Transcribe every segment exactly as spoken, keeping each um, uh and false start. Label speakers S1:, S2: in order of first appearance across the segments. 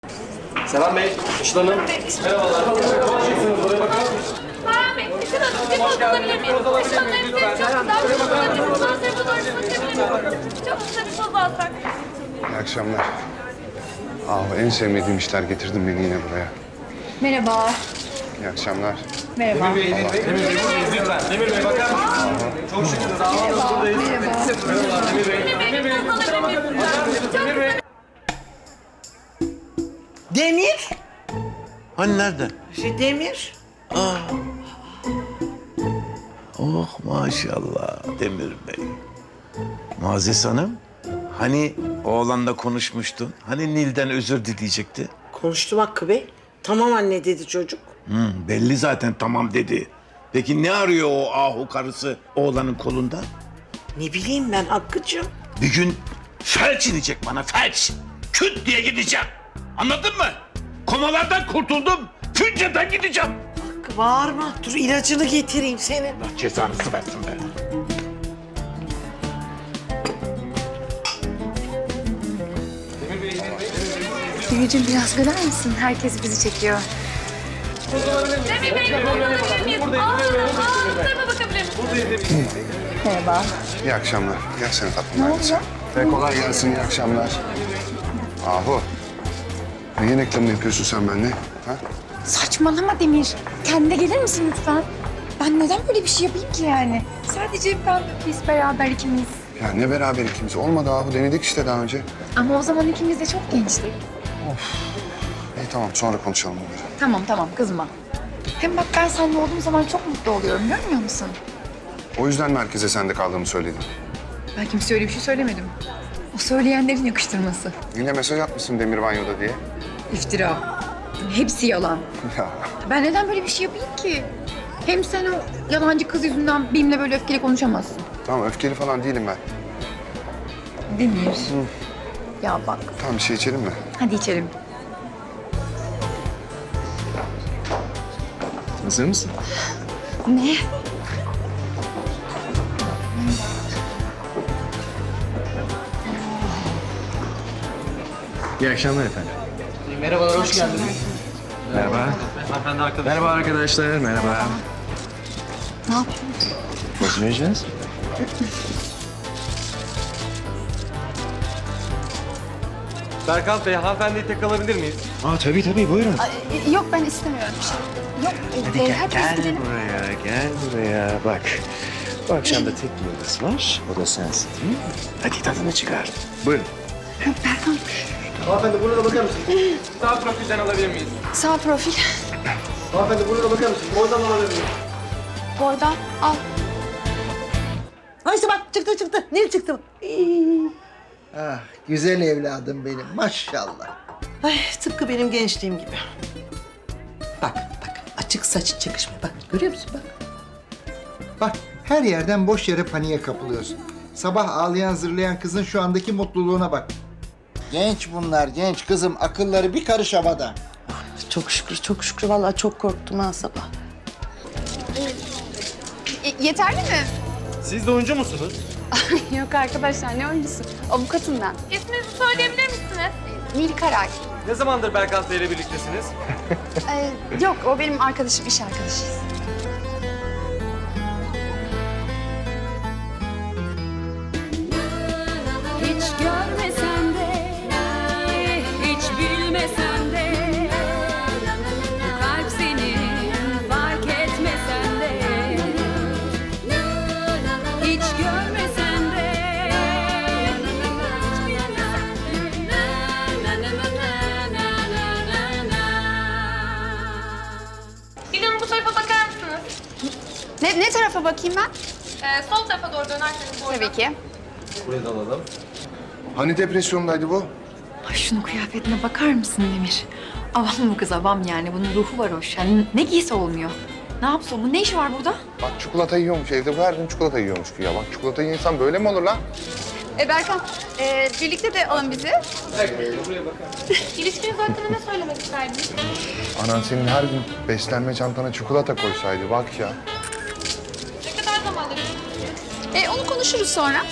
S1: Selam Bey, Işıl Hanım. Merhabalar. Konuşacaksınız, buraya bakar mısınız?
S2: Bayan Bey, Işıl Hanım, bir poz alabilir miyim? Işıl Hanım, hepsi çok güzel. Işıl Hanım, bir poz alabilir miyim? Çok kısa bir poz alsak.
S3: İyi akşamlar. Ah, en sevmediğim işler getirdin beni yine buraya.
S4: Merhaba.
S3: İyi akşamlar.
S4: Merhaba.
S1: Demir Bey, Demir Bey, Demir Bey, buradayız lütfen. Demir Bey, bakar mısınız? Çok şükür, sağ olun, buradayız. Merhaba, Demir Bey.
S2: Demir Bey, bir poz alabilir miyim?
S1: Demir Bey.
S5: Demir.
S6: Hani nerede?
S5: Şey Demir.
S6: Oh maşallah Demir Bey. Muazzez Hanım, hani oğlanla konuşmuştun? Hani Nil'den özür dileyecekti?
S5: Konuştum Hakkı Bey. Tamam anne dedi çocuk.
S6: Hı, belli zaten tamam dedi. Peki ne arıyor o ahu karısı oğlanın kolunda?
S5: Ne bileyim ben Hakkı'cığım.
S6: Bir gün felç inecek bana felç. Küt diye gideceğim. Anladın mı? Komalardan kurtuldum. Fünceden gideceğim.
S5: Hakkı bağırma. Dur ilacını getireyim senin.
S6: Allah cezanızı versin be.
S4: Demirciğim biraz güler misin? Herkes bizi çekiyor.
S2: Demir Bey, bir poz alabilir miyim? Aa, aa, bu tarafa bakabilir miyim?
S4: Merhaba.
S3: İyi akşamlar. Gelsene tatlım. Ne oldu? Ve kolay gelsin, iyi akşamlar. Ahu. Neyin reklamını yapıyorsun sen benimle? Ha?
S4: Saçmalama Demir. Kendine gelir misin lütfen? Ben neden böyle bir şey yapayım ki yani? Sadece ben, biz beraber ikimiz.
S3: Ya ne beraber ikimiz? Olmadı Ahu. Denedik işte daha önce.
S4: Ama o zaman ikimiz de çok gençtik.
S3: İyi tamam, sonra konuşalım bunları.
S4: Tamam tamam kızma. Hem bak ben seninle olduğum zaman çok mutlu oluyorum görmüyor musun?
S3: O yüzden merkeze sende kaldığımı söyledim.
S4: Ben kimseye öyle bir şey söylemedim. O söyleyenlerin yakıştırması.
S3: Yine mesaj atmışsın Demir Banyo'da diye.
S4: İftira. Hepsi yalan.
S3: Ya
S4: Ben neden böyle bir şey yapayım ki? Hem sen o yalancı kız yüzünden benimle böyle öfkeli konuşamazsın.
S3: tamam, öfkeli falan değilim ben.
S4: Demir. Ya bak.
S3: Tamam, bir şey içelim mi?
S4: Hadi içelim.
S1: Hazır mısın?
S4: Ne?
S1: İyi akşamlar efendim. Merhabalar, hoş geldiniz. Merhaba. Hanımefendi arkadaşlar. Merhaba arkadaşlar, merhaba.
S4: Ne yapıyorsun?
S1: Nasıl yiyeceğiz? Berkant Bey, hanımefendiyi tek alabilir miyiz?
S7: Aa tabii tabii buyurun.
S4: Ay, yok ben istemiyorum bir şey. Yok.
S7: Hadi
S4: e,
S7: gel,
S4: herkes
S7: gel
S4: gidelim.
S7: buraya, gel buraya. Bak, bu akşam da tek bir yıldız var. O da sensin değil mi? Hadi tadını çıkar. Buyurun.
S4: Berkan.
S1: Hanımefendi, burada bakar mısınız? Sağ profilden alabilir miyiz?
S4: Sağ profil.
S1: Hanımefendi, burada bakar mısınız? Oradan alabilir miyiz?
S4: Boydan al.
S5: Ha işte bak çıktı çıktı. Nil çıktı. İyi.
S8: Ah, güzel evladım benim maşallah.
S5: Ay tıpkı benim gençliğim gibi. Bak bak açık saç çakışma. Bak görüyor musun bak.
S8: Bak her yerden boş yere paniğe kapılıyorsun. Sabah ağlayan zırlayan kızın şu andaki mutluluğuna bak. Genç bunlar genç kızım akılları bir karış havada.
S5: Çok şükür çok şükür vallahi çok korktum ha sabah.
S9: E, yeterli mi?
S1: Siz de oyuncu musunuz?
S9: Yok arkadaşlar ne oyuncusu? Avukatım ben.
S2: İsminizi söyleyebilir misiniz?
S9: Nil Karay.
S1: Ne zamandır Berkant Bey ile birliktesiniz?
S9: Ee, yok o benim arkadaşım, iş arkadaşıyız.
S10: Hiç görmesen de, hiç bilmesen de, bu kalp senin fark etmesen de, hiç görmesen de,
S2: Bir Hanım, bu tarafa bakar mısınız?
S9: Ne, ne tarafa bakayım ben?
S2: Ee, sol tarafa doğru dönerseniz bu
S9: Tabii ki.
S1: Buraya da alalım.
S3: Hani depresyondaydı bu?
S4: Ay şunun kıyafetine bakar mısın Demir? Avam bu kız avam yani. Bunun ruhu var hoş. Yani ne giysi olmuyor. Ne yapsın? Bu ne işi var burada?
S3: Bak çikolata yiyormuş evde. Bu her gün çikolata yiyormuş ya. Bak çikolata yiyen insan böyle mi olur lan?
S9: E Berkan, e, birlikte de alın bizi.
S2: İlişkiniz hakkında ne söylemek isterdiniz?
S3: Anan senin her gün beslenme çantana çikolata koysaydı bak ya.
S2: Ne kadar zamandır?
S9: E, onu konuşuruz sonra.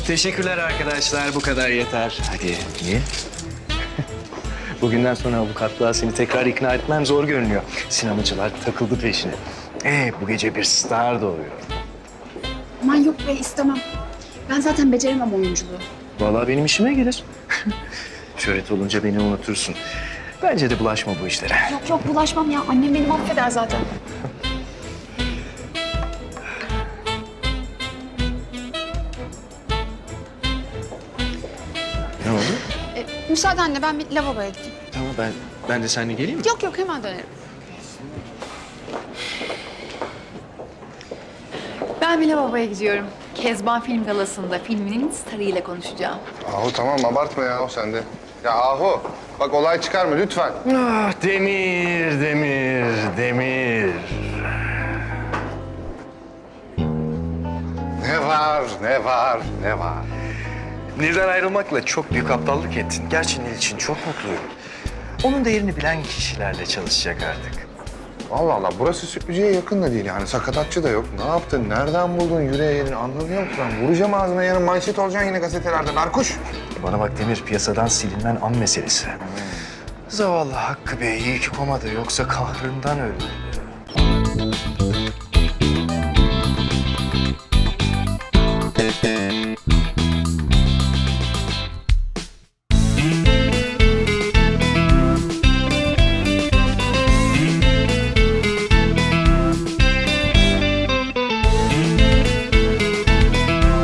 S7: Teşekkürler arkadaşlar. Bu kadar yeter. Hadi niye? Bugünden sonra avukatlığa seni tekrar ikna etmem zor görünüyor. Sinemacılar takıldı peşine. Ee, bu gece bir star doğuyor.
S9: Aman yok be istemem. Ben zaten beceremem oyunculuğu.
S7: Vallahi benim işime gelir. Şöhret olunca beni unutursun. Bence de bulaşma bu işlere.
S9: Yok yok bulaşmam ya. Annem beni affeder zaten.
S7: Ne oldu?
S9: E, müsaadenle ben bir lavaboya gideyim.
S7: Tamam ben ben de seninle geleyim mi?
S9: Yok yok hemen dönerim.
S4: Ben bir lavaboya gidiyorum. Kezban Film Galası'nda filminin starıyla konuşacağım.
S3: Ahu tamam abartma ya o sende. Ya Ahu bak olay çıkarma lütfen.
S7: Ah Demir, Demir, Demir.
S3: Ne var, ne var, ne var?
S7: Nil'den ayrılmakla çok büyük aptallık ettin. Gerçi Nil için çok mutluyum. Onun değerini bilen kişilerle çalışacak artık.
S3: Allah Allah burası sürücüye yakın da değil yani sakatatçı da yok. Ne yaptın, nereden buldun yüreğe yerini anlamıyor musun? Ben vuracağım ağzına yarın manşet olacaksın yine gazetelerde Berkuş.
S7: Bana bak Demir, piyasadan silinmen an meselesi. Zavallı Hakkı Bey iyi ki komada yoksa kahrından öldü.